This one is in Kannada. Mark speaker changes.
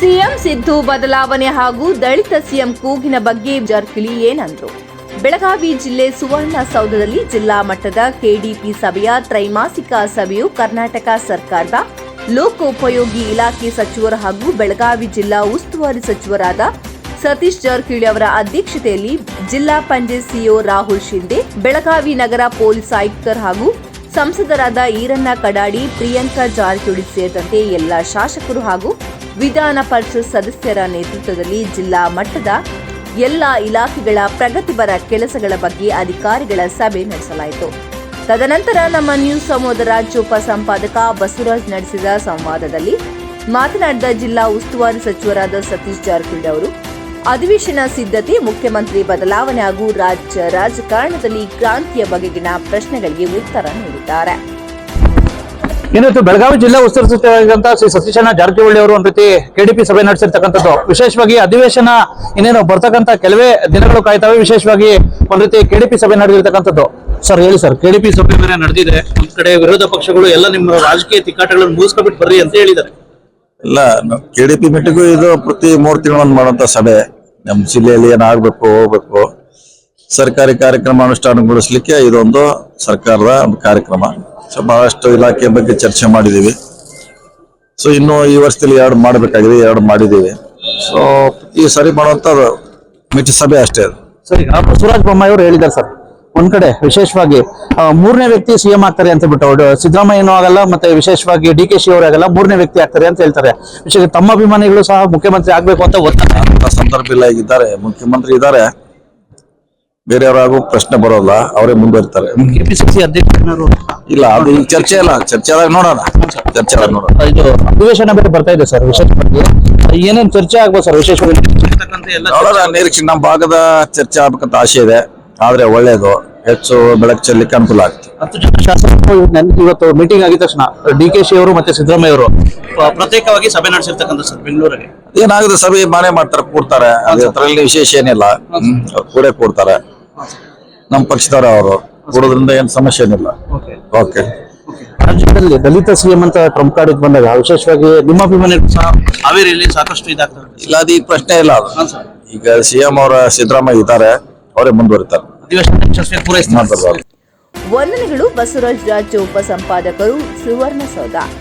Speaker 1: ಸಿಎಂ ಸಿದ್ದು ಬದಲಾವಣೆ ಹಾಗೂ ದಲಿತ ಸಿಎಂ ಕೂಗಿನ ಬಗ್ಗೆ ಜಾರಕಿಹೊಳಿ ಏನಂದ್ರು? ಬೆಳಗಾವಿ ಜಿಲ್ಲೆ ಸುವರ್ಣಸೌಧದಲ್ಲಿ ಜಿಲ್ಲಾ ಮಟ್ಟದ ಕೆಡಿಪಿ ಸಭೆಯ ತ್ರೈಮಾಸಿಕ ಸಭೆಯು ಕರ್ನಾಟಕ ಸರ್ಕಾರದ ಲೋಕೋಪಯೋಗಿ ಇಲಾಖೆ ಸಚಿವರು ಹಾಗೂ ಬೆಳಗಾವಿ ಜಿಲ್ಲಾ ಉಸ್ತುವಾರಿ ಸಚಿವರಾದ ಸತೀಶ್ ಜಾರಕಿಹೊಳಿ ಅವರ ಅಧ್ಯಕ್ಷತೆಯಲ್ಲಿ ಜಿಲ್ಲಾ ಪಂಚಾಯತ್ ಸಿಇಒ ರಾಹುಲ್ ಶಿಂದೆ, ಬೆಳಗಾವಿ ನಗರ ಪೊಲೀಸ್ ಆಯುಕ್ತರು ಹಾಗೂ ಸಂಸದರಾದ ಈರಣ್ಣ ಕಡಾಡಿ, ಪ್ರಿಯಾಂಕಾ ಜಾರಕಿಹೊಳಿ ಸೇರಿದಂತೆ ಎಲ್ಲ ಶಾಸಕರು ಹಾಗೂ ವಿಧಾನ ಪರಿಷತ್ ಸದಸ್ಯರ ನೇತೃತ್ವದಲ್ಲಿ ಜಿಲ್ಲಾ ಮಟ್ಟದ ಎಲ್ಲ ಇಲಾಖೆಗಳ ಪ್ರಗತಿಪರ ಕೆಲಸಗಳ ಬಗ್ಗೆ ಅಧಿಕಾರಿಗಳ ಸಭೆ ನಡೆಸಲಾಯಿತು. ತದನಂತರ ನಮ್ಮ ನ್ಯೂಸ್ ಸಮೂಹದ ರಾಜ್ಯ ಉಪ ಸಂಪಾದಕ ಬಸವರಾಜ್ ನಡೆಸಿದ ಸಂವಾದದಲ್ಲಿ ಮಾತನಾಡಿದ ಜಿಲ್ಲಾ ಉಸ್ತುವಾರಿ ಸಚಿವರಾದ ಸತೀಶ್ ಜಾರಕಿಹೊಳಿ ಅವರು ಅಧಿವೇಶನ ಸಿದ್ಧತೆ, ಮುಖ್ಯಮಂತ್ರಿ ಬದಲಾವಣೆ ಹಾಗೂ ರಾಜ್ಯ ರಾಜಕಾರಣದಲ್ಲಿ ಕ್ರಾಂತಿಯ ಬಗೆಗಿನ ಪ್ರಶ್ನೆಗಳಿಗೆ ಉತ್ತರ ನೀಡಿದ್ದಾರೆ.
Speaker 2: ಇನ್ನೊಂದು ಬೆಳಗಾವಿ ಜಿಲ್ಲಾ ಉಸ್ತುವಾರಿ ಸಚಿವರಾಗಿದ್ದಂತ ಶ್ರೀ ಸತೀಶಣ್ಣ ಜಾರಕಿಹೊಳಿ ಅವರು ಒಂದು ರೀತಿ ಕೆಡಿಪಿ ಸಭೆ ನಡೆಸಿರ್ತಕ್ಕಂಥದ್ದು. ವಿಶೇಷವಾಗಿ ಅಧಿವೇಶನ ಇನ್ನೇನು ಬರ್ತಕ್ಕಂಥ ಕೆಲವೇ ದಿನಗಳು ಕಾಯ್ತವೆ. ವಿಶೇಷವಾಗಿ ಒಂದ್ ರೀತಿ ಕೆಡಿಪಿ ಸಭೆ ನಡೆದಿರ್ತಕ್ಕಂಥದ್ದು. ಸರ್ ಹೇಳಿ ಸರ್, ಕೆಡಿಪಿ ಸಭೆ ಬೇರೆ ನಡೆದಿದೆ. ಒಂದ್ ಕಡೆ ವಿರೋಧ ಪಕ್ಷಗಳು ಎಲ್ಲ ನಿಮ್ಮ ರಾಜಕೀಯ ತಿಕ್ಕಾಟಗಳನ್ನು ಮುಗಿಸ್ಕೊಬಿಟ್ಟು ಬರ್ರಿ ಅಂತ ಹೇಳಿದ್ದಾರೆ.
Speaker 3: ಇಲ್ಲ, ಕೆಡಿಪಿ ಮೀಟಿಂಗು ಇದು ಪ್ರತಿ 3 ತಿಂಗಳು ಮಾಡುವಂತ ಸಭೆ. ನಮ್ಮ ಜಿಲ್ಲೆಯಲ್ಲಿ ಏನಾಗಬೇಕು ಹೋಗ್ಬೇಕು, ಸರ್ಕಾರಿ ಕಾರ್ಯಕ್ರಮ ಅನುಷ್ಠಾನಗೊಳಿಸ್ಲಿಕ್ಕೆ ಇದೊಂದು ಸರ್ಕಾರದ ಒಂದು ಕಾರ್ಯಕ್ರಮ. ಸೊ ಬಹಳಷ್ಟು ಇಲಾಖೆ ಬಗ್ಗೆ ಚರ್ಚೆ ಮಾಡಿದೀವಿ. ಸೊ ಇನ್ನು ಈ ವರ್ಷದಲ್ಲಿ 2 ಮಾಡಬೇಕಾಗಿದೆ, 2 ಮಾಡಿದೀವಿ. ಸೊ ಈ ಸರಿ ಮಾಡುವಂತ ಮೀಟಿಂಗ್ ಸಭೆ ಅಷ್ಟೇ.
Speaker 2: ಸರ್, ಈಗ ಬಸವರಾಜ ಬೊಮ್ಮಾಯಿ ಅವರು ಹೇಳಿದ್ದಾರೆ ಸರ್, ಒಂದ್ ಕಡೆ ವಿಶೇಷವಾಗಿ 3ನೇ ವ್ಯಕ್ತಿ ಸಿಎಂ ಆಗ್ತಾರೆ ಅಂತ ಬಿಟ್ಟು ಸಿದ್ದರಾಮಯ್ಯನೂ ಆಗಲ್ಲ, ಮತ್ತೆ ವಿಶೇಷವಾಗಿ DK ಅವರು ಆಗಲ್ಲ, 3ನೇ ವ್ಯಕ್ತಿ ಆಗ್ತಾರೆ ಅಂತ ಹೇಳ್ತಾರೆ. ವಿಶೇಷ ತಮ್ಮ ಅಭಿಮಾನಿಗಳು ಸಹ ಮುಖ್ಯಮಂತ್ರಿ ಆಗ್ಬೇಕು ಅಂತ ಒತ್ತಾಯ.
Speaker 3: ಅಂತ ಸಂದರ್ಭ ಇಲ್ಲ, ಈಗಿದ್ದಾರೆ ಮುಖ್ಯಮಂತ್ರಿ ಇದ್ದಾರೆ, ಬೇರೆಯವರಾಗೂ ಪ್ರಶ್ನೆ ಬರೋಲ್ಲ, ಅವರೇ ಮುಂದುವರಿತಾರೆ.
Speaker 2: KPCC ಅಧ್ಯಕ್ಷರು
Speaker 3: ಇಲ್ಲ, ಅದು ಈಗ ಚರ್ಚೆ ಇಲ್ಲ, ಚರ್ಚೆ ಆದಾಗ ನೋಡೋಣ. ಚರ್ಚೆ ಆದಾಗ ನೋಡೋಣ.
Speaker 2: ಇದು ಅಧಿವೇಶನ ಬೇರೆ ಬರ್ತಾ ಇದೆ ಸರ್. ವಿಶೇಷವಾಗಿ ಏನೇನ್ ಚರ್ಚೆ ಆಗ್ಬೋದು ಸರ್? ವಿಶೇಷವಾಗಿ
Speaker 3: ನೋಡೋಣ, ನಿರೀಕ್ಷೆ ನಮ್ಮ ಭಾಗದ ಚರ್ಚೆ ಆಗ್ಬೇಕಂತ ಆಸೆ ಇದೆ. ಆದ್ರೆ ಒಳ್ಳೇದು, ಹೆಚ್ಚು ಬೆಳಕು ಚೆಲ್ಲಲಿಕ್ಕೆ ಅನುಕೂಲ ಆಗುತ್ತೆ.
Speaker 2: 10 ಜನ ಶಾಸಕರು ಇವತ್ತು ಮೀಟಿಂಗ್ ಆಗಿದ ತಕ್ಷಣ DK ಅವರು ಮತ್ತೆ ಸಿದ್ದರಾಮಯ್ಯ ಅವರು ಪ್ರತ್ಯೇಕವಾಗಿ ಸಭೆ ನಡೆಸಿರ್ತಕ್ಕಂಥ ಸರ್ ಬೆಂಗಳೂರಿಗೆ.
Speaker 3: ಏನಾಗುತ್ತೆ, ಸಭೆ ಮನೆ ಮಾಡ್ತಾರೆ, ಕೂಡ್ತಾರೆ. ಅದರಲ್ಲಿ ವಿಶೇಷ ಏನಿಲ್ಲ, ಕೂಡ್ತಾರೆ. ನಮ್ಮ ಪಕ್ಷದವರ ಅವರು ಕೂಡೋದ್ರಿಂದ ಏನ್ ಸಮಸ್ಯೆ ಏನಿಲ್ಲ. ಓಕೆ.
Speaker 2: ರಾಜ್ಯದಲ್ಲಿ ದಲಿತ ಸಿಎಂ ಅಂತ ಟ್ರಂಪ್ ಕಾರ್ಡ್ ಬಂದಾಗ ವಿಶೇಷವಾಗಿ ನಿಮ್ಮ ಅಭಿಮಾನಿಗಳು ಸಹ ಹಾವೇರಿಯಲ್ಲಿ ಸಾಕಷ್ಟು ಇದಾಗ್ತದೆ.
Speaker 3: ಇಲ್ಲ, ಅದು ಈ ಪ್ರಶ್ನೆ ಇಲ್ಲ. ಅದು ಈಗ CM ಅವರ ಸಿದ್ದರಾಮಯ್ಯ ಇದ್ದಾರೆ, ಅವರೇ ಮುಂದುವರಿತಾರೆ.
Speaker 1: ವಂದನೆಗಳು. ಬಸವರಾಜ್ ರಾಜ್ಯ ಉಪ ಸಂಪಾದಕರು, ಸುವರ್ಣಸೌಧ.